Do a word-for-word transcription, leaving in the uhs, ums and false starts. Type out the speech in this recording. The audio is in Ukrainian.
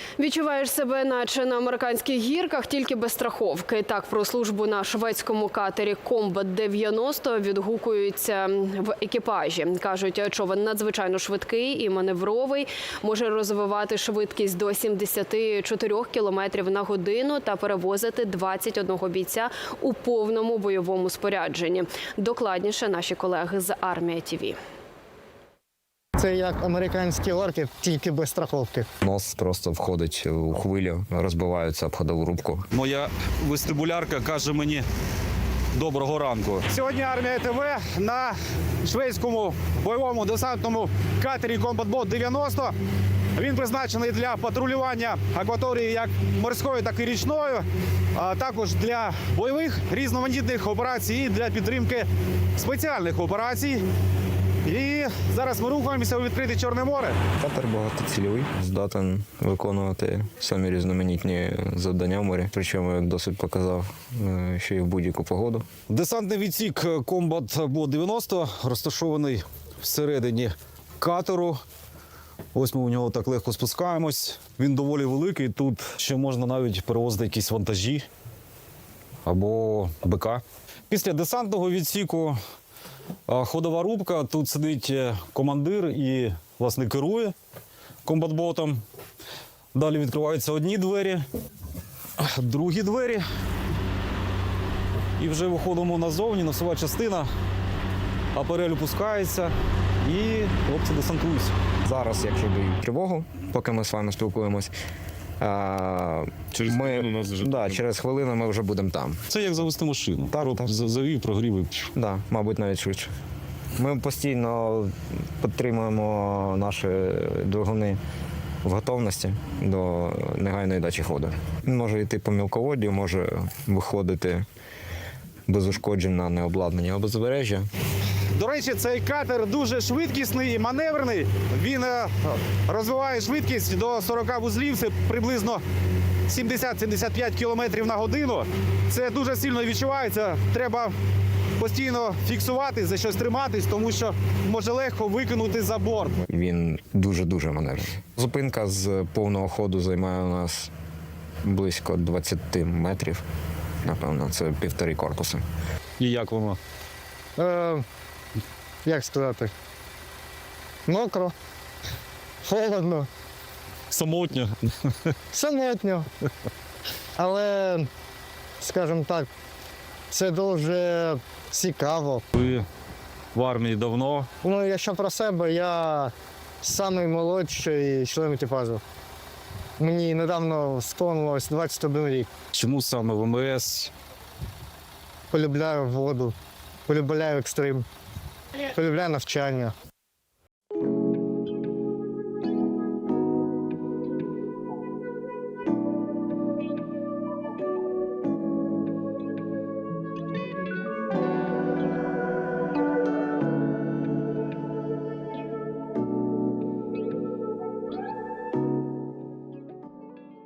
Відчуваєш себе наче на американських гірках, тільки без страховки. Так про службу на шведському катері «Комбат дев'яносто» відгукуються в екіпажі. Кажуть, човен надзвичайно швидкий і маневровий, може розвивати швидкість до сімдесят чотири кілометрів на годину та перевозити двадцять одного бійця у повному бойовому спорядженні. Докладніше наші колеги з Армія ТІВІ. Це як американські орки, тільки без страховки. Нос просто входить у хвилю, розбивається об ходову рубку. Моя вестибулярка каже мені «доброго ранку». Сьогодні Армія ТВ на шведському бойовому десантному катері «Комбат дев'яносто». Він призначений для патрулювання акваторії як морської, так і річної, а також для бойових різноманітних операцій і для підтримки спеціальних операцій. І зараз ми рухаємося у відкрите Чорне море. Катер багатоцільовий, здатен виконувати самі різноманітні завдання в морі. Причому, як досвід показав, що і в будь-яку погоду. Десантний відсік «Комбат дев'яносто» розташований всередині катеру. Ось ми у нього так легко спускаємось. Він доволі великий. Тут ще можна навіть перевозити якісь вантажі або БК. Після десантного відсіку ходова рубка. Тут сидить командир і, власне, керує комбатботом. Далі відкриваються одні двері, другі двері. І вже виходимо назовні, носова частина. Апарель опускається і хлопці десантуються. Зараз, якщо дають тривогу, поки ми з вами спілкуємось, Через ми, хвилину нас вже да, там. через хвилину ми вже будемо там. Це як завести машину. Так, От так. Завів, прогрів і... Да, мабуть, навіть швидше. Ми постійно підтримуємо наші двигуни в готовності до негайної дачі ходу. Він може йти по мілководдю, може виходити без ушкоджень на необладнані узбережжя. До речі, цей катер дуже швидкісний і маневрений. Він е, розвиває швидкість до сорока вузлів, це приблизно сімдесят - сімдесят п'ять кілометрів на годину. Це дуже сильно відчувається. Треба постійно фіксувати, за щось триматись, тому що може легко викинути за борт. Він дуже-дуже маневрений. Зупинка з повного ходу займає у нас близько двадцяти метрів. Напевно, це півтори корпуси. І як воно? Е, як сказати? Мокро, холодно, Самотньо. самотньо. Але, скажімо так, це дуже цікаво. Ви в армії давно. Ну, якщо про себе, я самий молодший член екіпажу. Мені недавно сповнилось двадцять один рік. Чому саме в МС? Полюбляю воду, полюбляю екстрим, полюбляю навчання.